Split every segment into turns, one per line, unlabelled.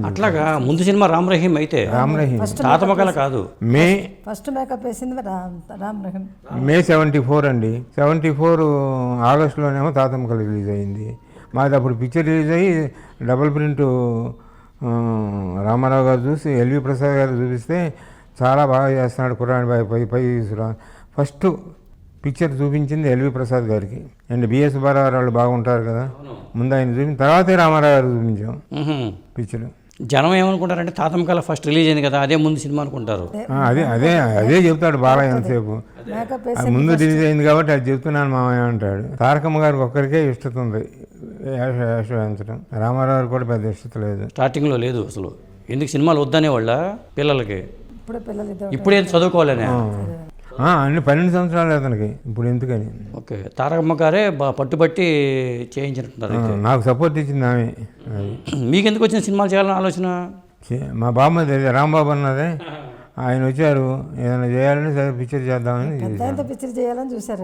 అట్లాగా ముందు సినిమా రామ్ రహీం అయితే
రామ్ రహీం
తాతమగల కాదు.
మే
ఫస్ట్ మేకప్ వేసింది రామ్ రహీం.
మే 74 అండి. 74 ఆగస్టులోనేమో తాతమ్మకలు రిలీజ్ అయింది. మాది అప్పుడు పిక్చర్ రిలీజ్ అయ్యి డబుల్ ప్రింట్ రామారావు గారు చూసి ఎల్వి ప్రసాద్ గారు చూపిస్తే చాలా బాగా చేస్తున్నాడు కుర్రాని పై ఫస్ట్ పిక్చర్ చూపించింది ఎల్వి ప్రసాద్ గారికి. అండ్ బిఎస్ బారావారు వాళ్ళు బాగుంటారు కదా, ముందు ఆయన చూపించిన తర్వాతే రామారావు గారు చూపించాం పిక్చర్.
జనం ఏమనుకుంటారంటే తాతమగల ఫస్ట్ రిలీజ్ అయింది కదా, అదే ముందు సినిమా అనుకుంటారు.
అదే అదే అదే చెప్తాడు బాలయ్య ఎంతసేపు. అది ముందు రిలీజ్ అయింది కాబట్టి అది చెప్తున్నాను మామయ్య అంటాడు. తారకమ్మ గారికి ఒక్కరికే ఇష్టత ఉంది వేషం వేయించడం. రామారావు కూడా పెద్ద ఇష్టత లేదు,
స్టార్టింగ్లో లేదు అసలు. ఎందుకు సినిమాలు వద్దనే వాళ్ళ పిల్లలకి ఇప్పుడే చదువుకోవాలనే.
అన్ని 12 సంవత్సరాలు అతనికి ఇప్పుడు ఎందుకని.
ఓకే, తారకమ్మ గారే పట్టుబట్టి చేయించినట్టున్నారు.
నాకు సపోర్ట్ ఇచ్చింది ఆమె.
మీకు ఎందుకు వచ్చిన సినిమాలు చేయాలని ఆలోచన?
మా బామ్మది రాంబాబు అన్నదే, ఆయన వచ్చారు ఏదైనా చేయాలని సరే పిక్చర్ చేద్దామని.
పిక్చర్ చేయాలని చూసారు.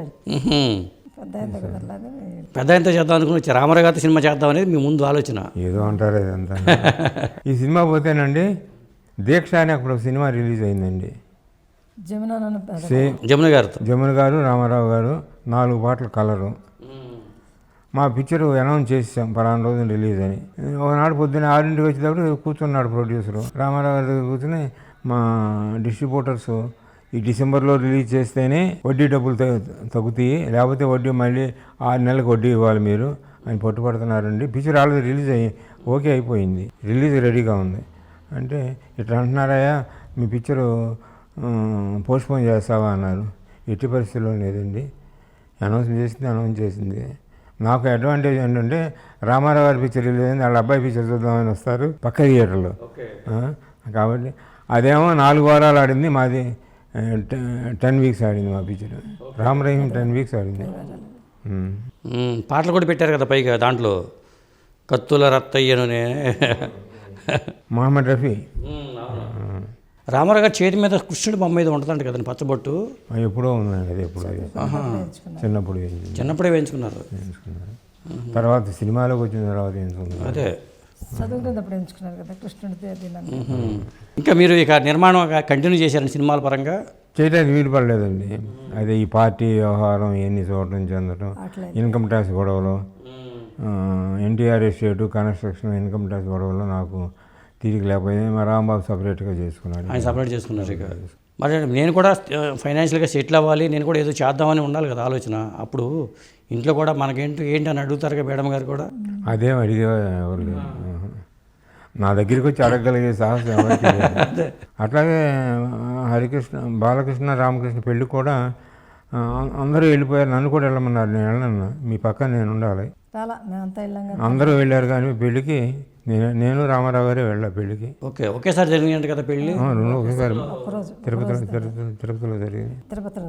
పెద్ద ఎంత చేద్దాం అనుకుని వచ్చి రామారావు గారితో సినిమా చేద్దాం అనేది మీ ముందు ఆలోచన.
ఏదో అంటారు ఇదంతా. ఈ సినిమా పోతేనండి దీక్ష అని అప్పుడు సినిమా రిలీజ్ అయిందండి. జమున గారు రామారావు గారు 4 పాటలు కలరు. మా పిక్చర్ అనౌన్స్ చేసాం పలానా రోజు రిలీజ్ అని. ఒకనాడు పొద్దున్న 6 వచ్చేటప్పుడు కూర్చున్నాడు ప్రొడ్యూసరు. రామారావు గారి దగ్గర కూర్చొని మా డిస్ట్రిబ్యూటర్స్ ఈ డిసెంబర్లో రిలీజ్ చేస్తేనే వడ్డీ డబ్బులు తగ్గుతాయి, లేకపోతే వడ్డీ మళ్ళీ 6 నెలలకు వడ్డీ ఇవ్వాలి మీరు అని పట్టుపడుతున్నారండి. పిక్చర్ ఆల్రెడీ రిలీజ్ ఓకే అయిపోయింది, రిలీజ్ రెడీగా ఉంది అంటే ఇట్లా అంటున్నారయ్యా మీ పిక్చరు పోస్ట్పోన్ చేస్తావా అన్నారు. ఎట్టి పరిస్థితుల్లో లేదండి, అనౌన్స్ చేసింది. నాకు అడ్వాంటేజ్ ఏంటంటే రామారావు గారి పిక్చర్ రిలీజ్ అయింది, వాళ్ళ అబ్బాయి పిక్చర్ చూద్దామని వస్తారు పక్క థియేటర్లో. కాబట్టి అదేమో 4 వారాలు ఆడింది, మాది 10 వీక్స్ ఆడింది మా పిక్చర్. రామ్ రహీం 10 వీక్స్ ఆడింది.
పాటలు కూడా పెట్టారు కదా పైగా, దాంట్లో కత్తుల రత్తయ్యనునే
మహమ్మద్ రఫీ.
రామారావు గారి చేతి మీద కృష్ణుడు బొమ్మ మీద ఉంటుందంట కదండి పచ్చబొట్టు.
ఎప్పుడో ఉందండి అది, ఎప్పుడో
చిన్నప్పుడే వేయించుకున్నారు.
తర్వాత సినిమాలోకి వచ్చిన తర్వాత వేయించుకున్నారు.
అదే
చదువుకున్నప్పుడు ఎంచుకున్నారు కదా కృష్ణుడి.
ఇంకా మీరు ఇక నిర్మాణం కంటిన్యూ చేశారండి సినిమాల పరంగా?
చేయడానికి వీలు పడలేదండి. అదే ఈ పార్టీ వ్యవహారం ఇవన్నీ చూడటం చెందటం, ఇన్కమ్ ట్యాక్స్ గొడవలు, NTR estate construction income tax గొడవలు నాకు తీరిక లేకపోయింది. మా రాంబాబు సపరేట్గా చేసుకున్నాడు.
ఆయన సపరేట్ చేసుకున్నారు. ఇక మరి నేను కూడా ఫైనాన్షియల్గా సెటిల్ అవ్వాలి, నేను కూడా ఏదో చేద్దామని ఉండాలి కదా ఆలోచన. అప్పుడు ఇంట్లో కూడా ఏంటి అని అడుగుతారుగా మేడం గారు కూడా.
అదేం అడిగే ఎవరు లేదు, నా దగ్గరికి వచ్చి అడగగలిగే సాహసం ఎవరికి లేదు. అట్లాగే బాలకృష్ణ రామకృష్ణ పెళ్ళి కూడా అందరూ వెళ్ళిపోయారు, నన్ను కూడా వెళ్ళమన్నారు. నేను వెళ్ళను, మీ పక్కన నేను ఉండాలి. అందరూ వెళ్ళారు కానీ పెళ్ళికి నేను రామారావు గారే వెళ్ళా పెళ్ళికి.
ఒకేసారి జరిగింది కదా పెళ్ళి?
ఒకేసారి తిరుపతిలో జరిగింది.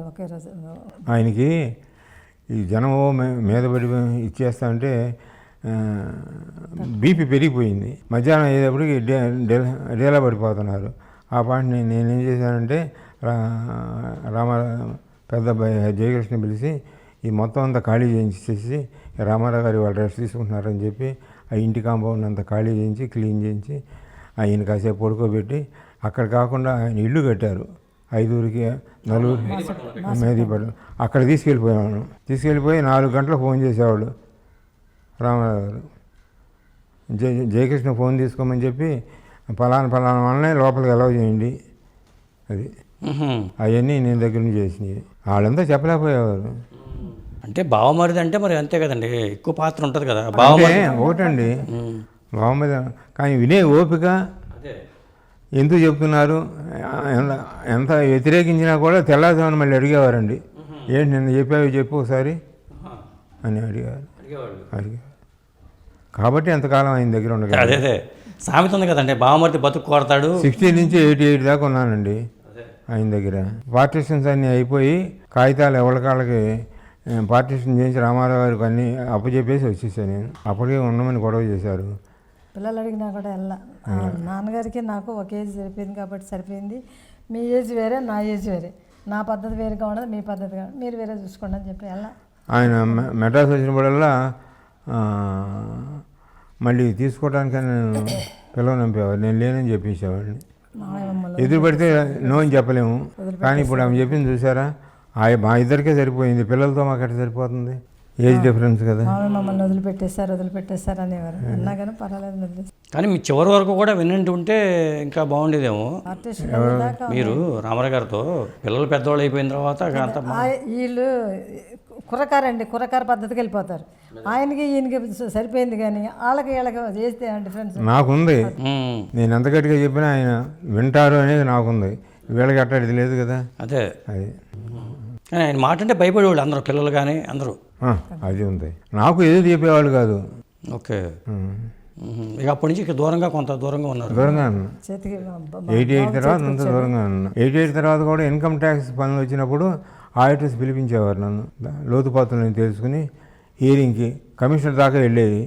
ఆయనకి ఈ జనం మీద పడి ఇచ్చేస్తా అంటే బీపీ పెరిగిపోయింది. మధ్యాహ్నం అయ్యేటప్పటికి డేలా పడిపోతున్నారు. ఆ పాయింట్ నేనేం చేశానంటే పెద్ద జయకృష్ణ పిలిచి ఈ మొత్తం అంతా ఖాళీ చేయించేసి రామారావు గారు వాళ్ళు రెస్ట్ తీసుకుంటున్నారని చెప్పి ఆ ఇంటి కాంపౌండ్ అంతా ఖాళీ చేయించి క్లీన్ చేయించి ఆయన కాసేపు పడుకోబెట్టి, అక్కడ కాకుండా ఆయన ఇల్లు కట్టారు 5ఊరికి 4ఊరికి మేదీపట్నం. అక్కడ తీసుకెళ్ళిపోయి 4 గంటలకు ఫోన్ చేసేవాళ్ళు రామారావు గారు. జయకృష్ణ ఫోన్ తీసుకోమని చెప్పి ఫలానా వాళ్ళనే లోపలికి అలౌ చేయండి, అది అవన్నీ నేను దగ్గర నుంచి చేసినవి. వాళ్ళంతా చెప్పలేకపోయేవారు.
అంటే బావమరిది అంటే మరి అంతే కదండి, ఎక్కువ పాత్ర ఉంటుంది కదా.
ఒకటండి బావమరిది, కానీ వినే ఓపిక ఎందుకు చెప్తున్నారు, ఎంత వ్యతిరేకించినా కూడా తెల్లారుజామున మళ్ళీ అడిగేవారండి. ఏంటి నిన్న చెప్పు ఒకసారి అని అడిగారు. కాబట్టి ఎంతకాలం ఆయన దగ్గర ఉండగా.
అదే సామెత ఉంది కదండి, బావమరిది బతుకు కోరతాడు.
60 నుంచి 88 దాకా ఉన్నానండి ఆయన దగ్గర. పార్టీషన్స్ అన్నీ అయిపోయి కాగితాలు ఎవరికాళ్ళకి పార్టీషన్ చేయించి రామారావు గారికి అన్నీ అప్పచెప్పేసి వచ్చేసాను నేను. అప్పటికే ఉండమని గొడవ చేశారు.
పిల్లలు అడిగినా కూడా వెళ్ళా. నాన్నగారికి నాకు ఒక ఏజ్ సరిపోయింది కాబట్టి సరిపోయింది. మీ ఏజ్ వేరే, నా ఏజ్ వేరే, నా పద్ధతి వేరుగా ఉండదు, మీ పద్ధతి కాదు, మీరు వేరే చూసుకోండి అని చెప్పి వెళ్ళా.
ఆయన మెడ్రాస్ వచ్చినప్పుడల్లా మళ్ళీ తీసుకోవడానికని నేను పిలవనంపేవాడు, నేను లేనని చెప్పేసేవాడిని.
మామయ్య మమ్మల్ని
ఎదురు పడితే నో అని చెప్పలేము. కానీ ఇప్పుడు ఆమె చెప్పింది చూసారా, మా ఇద్దరికే సరిపోయింది, పిల్లలతో మాకు ఎట్లా సరిపోతుంది, ఏజ్ డిఫరెన్స్ కదా.
మామయ్య మమ్మల్ని వదిలిపెట్టేశారు అనేవారు. అన్నా కానీ పర్వాలేదు వదిలేసి
కానీ మీ చివరి వరకు కూడా వినంటూ ఉంటే ఇంకా బాగుండేదేమో.
ఆర్టిస్ట్
మీరు రామారావు గారితో పిల్లలు పెద్దవాళ్ళు అయిపోయిన తర్వాత అంత
వీళ్ళు కుర్రకార పద్ధతికి వెళ్ళిపోతారు. ఆయనకి ఈయనకి సరిపోయింది, కానీ వాళ్ళకి వీళ్ళకి చేస్తే డిఫరెన్స్
నాకుంది. నేను ఎంత గట్టిగా చెప్పినా ఆయన వింటారు అనేది నాకుంది, వీళ్ళకి అట్టాడిది లేదు కదా.
అదే
అది
కానీ ఆయన మాట అంటే భయపడేవాళ్ళు అందరూ, పిల్లలు కానీ అందరూ.
అది ఉంది. నాకు ఏది చెప్పేవాళ్ళు కాదు.
ఓకే. ఇక అప్పటి నుంచి ఇక దూరంగా కొంత దూరంగా ఉన్నారు.
దూరంగా ఉన్నా.
చేతికి
88 తర్వాత అంత దూరంగా ఉన్నా. 88 తర్వాత కూడా ఇన్కమ్ ట్యాక్స్ పనులు వచ్చినప్పుడు ఆడిటర్స్ పిలిపించేవారు నన్ను, లోతుపాతులను తెలుసుకుని హియరింగ్కి కమిషనర్ దాకా వెళ్ళేది.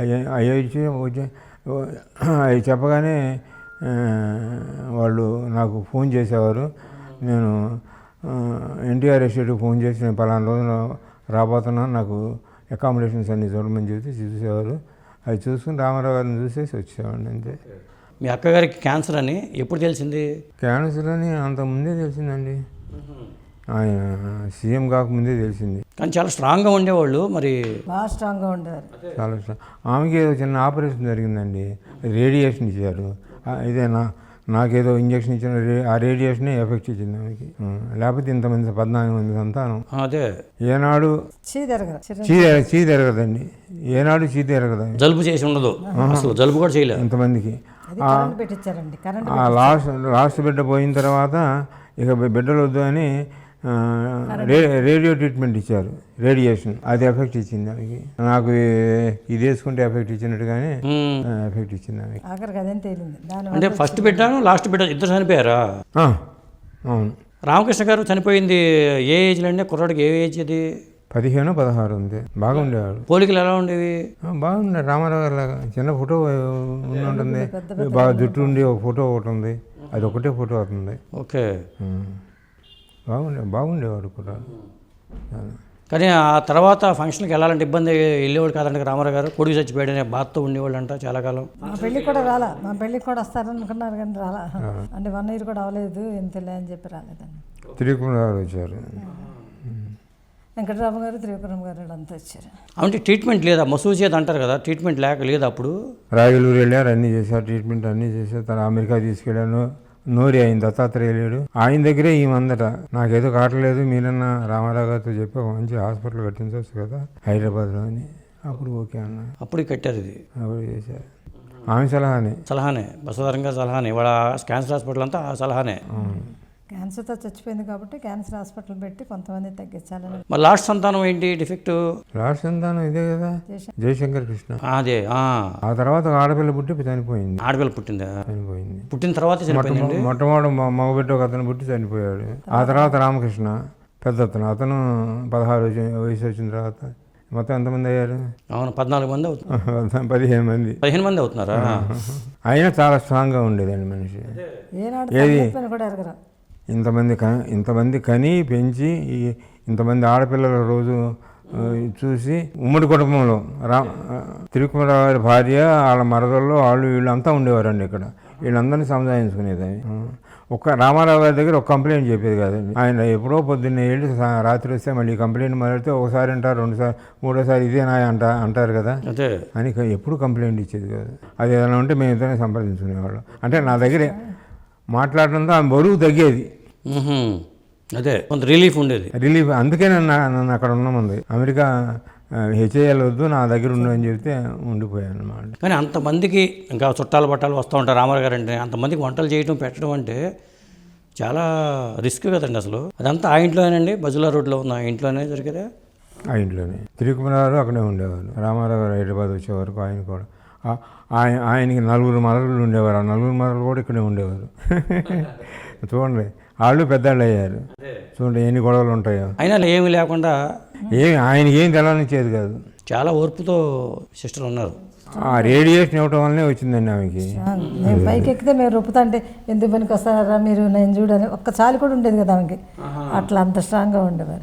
అవి చెప్పగానే వాళ్ళు నాకు ఫోన్ చేసేవారు. నేను ఎన్టీఆర్ ఎస్టేట్కి ఫోన్ చేసి నేను పలానా రోజున రాబోతున్నాను, నాకు అకామిడేషన్స్ అన్నీ చూడమని చెప్తే చూసేవారు. అవి చూసుకుని రామారావు గారిని చూసేసి వచ్చేవాడిని అంతే.
మీ అక్కగారికి క్యాన్సర్ అని ఎప్పుడు తెలిసింది?
క్యాన్సర్ అని అంతకుముందే తెలిసిందండి, ఆయన సీఎం కాకముందే తెలిసింది.
కానీ చాలా స్ట్రాంగ్గా ఉండేవాళ్ళు, మరి
బాగా స్ట్రాంగ్గా ఉండేవారు.
చాలా స్ట్రాంగ్. ఆమెకి ఏదో చిన్న ఆపరేషన్ జరిగిందండి, రేడియేషన్ ఇచ్చారు. ఇదేనా నాకేదో ఇంజక్షన్ ఇచ్చిన ఆ రేడియేషనే ఎఫెక్ట్ ఇచ్చింది ఆమెకి. లేకపోతే ఇంతమంది 14 మంది సంతానం.
అదే
ఏనాడు చీ తిరగదండి, ఏనాడు చీ తిరగదు.
జలుబు చేసి ఉండదు అసలు, జలుబు కూడా చేయలేదు
ఇంతమందికి.
పెట్టించారండి కరెంట్.
లాస్ట్ బిడ్డ పోయిన తర్వాత ఇక బిడ్డలు వద్దు అని రేడియో ట్రీట్మెంట్ ఇచ్చారు, రేడియేషన్. అది ఎఫెక్ట్ ఇచ్చింది ఆమెకి. నాకు ఇది వేసుకుంటే ఎఫెక్ట్ ఇచ్చినట్టుగానే ఎఫెక్ట్ ఇచ్చింది ఆమెకి.
ఆఖరికి అదేం తేలింది.
అంటే ఫస్ట్ బిడ్డను లాస్ట్ బిడ్డ ఇద్దరు చనిపోయారా?
అవును.
రామకృష్ణ గారు చనిపోయింది ఏ ఏజ్లో అండి? కుర్రాడికి ఏ ఏజ్ అది?
15, 16 ఉంది. బాగుండేవాడు.
పోలికలు ఎలా ఉండేవి?
బాగుండే. రామారావు గారి లాగా చిన్న ఫోటో ఉంటుంది, బాగా జుట్టు ఉండి ఒక ఫోటో ఒకటి ఉంది, అది ఒకటే ఫోటో అవుతుంది.
ఓకే.
బాగుండేవాడు కూడా.
కానీ ఆ తర్వాత ఫంక్షన్కి వెళ్ళాలంటే ఇబ్బంది, వెళ్ళేవాడు కాదంటే రామారావు గారు. కొడుకు చచ్చిపోయాడనే బాధతో ఉండేవాళ్ళు అంట చాలా కాలం.
మా పెళ్ళికి కూడా రాలా, మా పెళ్ళికి కూడా వస్తారనుకున్నారు కానీ రాలా. అంటే 1 year కూడా అవ్వలేదు, ఎంతలే అని చెప్పి రాలేదండి.
త్రికుమారావు వచ్చారు,
వెంకటరామ గారు, త్రివిక్రమ్ గారు అంతా వచ్చారు.
అంటే ట్రీట్మెంట్ లేదా? మసూజ్ చేది అంటారు కదా, ట్రీట్మెంట్ లేదు అప్పుడు.
రాయలూరు వెళ్ళారు, అన్నీ చేశారు, ట్రీట్మెంట్ అన్నీ చేశారు. తను అమెరికా తీసుకెళ్ళాను. నోరి ఆయన దత్తాత్రేయ లేడు, ఆయన దగ్గరే ఈమందట నాకేదో కావట్లేదు, మీరన్నా రామారావు గారితో చెప్పి ఒక మంచి హాస్పిటల్ కట్టించవచ్చు కదా హైదరాబాద్లో అని. అప్పుడు ఓకే అన్న,
అప్పుడు కట్టారు. ఇది
అప్పుడు చేశారు. ఆమె సలహానే బసవతారంగా సలహానే. వాళ్ళ క్యాన్సర్ హాస్పిటల్ అంతా ఆ సలహానే.
క్యాన్సర్తో చచ్చిపోయింది కాబట్టి క్యాన్సర్ హాస్పిటల్ పెట్టి కొంతమంది తగ్గించాలని.
మరి లాస్ట్ సంతానం ఏంటి డిఫెక్ట్?
లాస్ట్ సంతానం ఇదే కదా, జయశంకర్ కృష్ణ.
అదే.
ఆ తర్వాత ఆడపిల్ల పుట్టి చనిపోయింది.
ఆడపిల్ల పుట్టిందా?
చనిపోయింది.
పుట్టిన తర్వాత చనిపోయింది.
మొట్టమొదటి మగబిడ్డ ఒక అతను పుట్టి చనిపోయాడు. ఆ తర్వాత రామకృష్ణ పెద్ద అతను 16 వయసు వచ్చిన తర్వాత మొత్తం ఎంతమంది అయ్యారు?
అవును, 14 మంది అవుతున్నారు.
15 మంది.
15 మంది అవుతున్నారా?
అయినా చాలా స్ట్రాంగ్గా ఉండేదండి మనిషి.
ఏది
ఇంతమంది కని పెంచి ఇంతమంది ఆడపిల్లల రోజు చూసి ఉమ్మడి కుటుంబంలో త్రికుమారావు గారి భార్య, వాళ్ళ మరదల్లో వీళ్ళు అంతా ఉండేవారండి ఇక్కడ. వీళ్ళందరినీ సంజాయించుకునేది. రామారావు గారి దగ్గర ఒక కంప్లైంట్ చెప్పేది కాదండి. ఆయన ఎప్పుడో పొద్దున్నే వెళ్ళి రాత్రి వస్తే మళ్ళీ కంప్లైంట్ మొదలెడితే ఒకసారి అంటారు, 2 సార్లు, 3వ సారి ఇదేనా అంటారు కదా అని ఎప్పుడు కంప్లైంట్ ఇచ్చేది కాదు. అది ఏదైనా ఉంటే మేము ఇద్దరిని సంప్రదించుకునేవాళ్ళం. అంటే నా దగ్గర మాట్లాడడంతో ఆమె బరువు తగ్గేది.
అదే కొంత రిలీఫ్ ఉండేది.
అందుకే నన్ను అక్కడ ఉన్నామంది. అమెరికా హెచ్ఐఎల్ వద్దు, నా దగ్గర ఉండు అని చెప్తే ఉండిపోయాను అన్నమాట.
కానీ అంతమందికి ఇంకా చుట్టాలు పట్టాలు వస్తూ ఉంటారు రామారావు గారు అంటే. అంతమందికి వంటలు చేయడం పెట్టడం అంటే చాలా రిస్క్ కదండి అసలు. అదంతా ఆ ఇంట్లోనేనండి, బజులా రోడ్లో ఉన్న ఆ ఇంట్లోనే జరిగేదా?
ఆ ఇంట్లోనే. త్రికుమారావు అక్కడే ఉండేవారు. రామారావు గారు హైదరాబాద్ వచ్చే వరకు ఆయన కూడా. ఆయనకి 4 మరలు ఉండేవారు. ఆ 4 మరలు కూడా ఇక్కడే ఉండేవారు. చూడండి, వాళ్ళు పెద్దవాళ్ళు అయ్యారు. చూడండి ఎన్ని గొడవలు ఉంటాయో.
అయినా ఏమీ లేకుండా
ఆయనకి ఏం తెలవనిచ్చేది కాదు.
చాలా ఓర్పుతో సిస్టర్ ఉన్నారు.
ఆ రేడియేషన్ ఇవ్వటం వల్లనే వచ్చిందండి ఆమెకి.
మేము పైకి ఎక్కితే మేము రొప్పుతా అంటే ఎందుకు పనికి వస్తారా మీరు, నేను చూడని ఒక్క చాలు కూడా ఉండేది కదా ఆమెకి. అట్లా అంత స్ట్రాంగ్గా ఉండేవారు.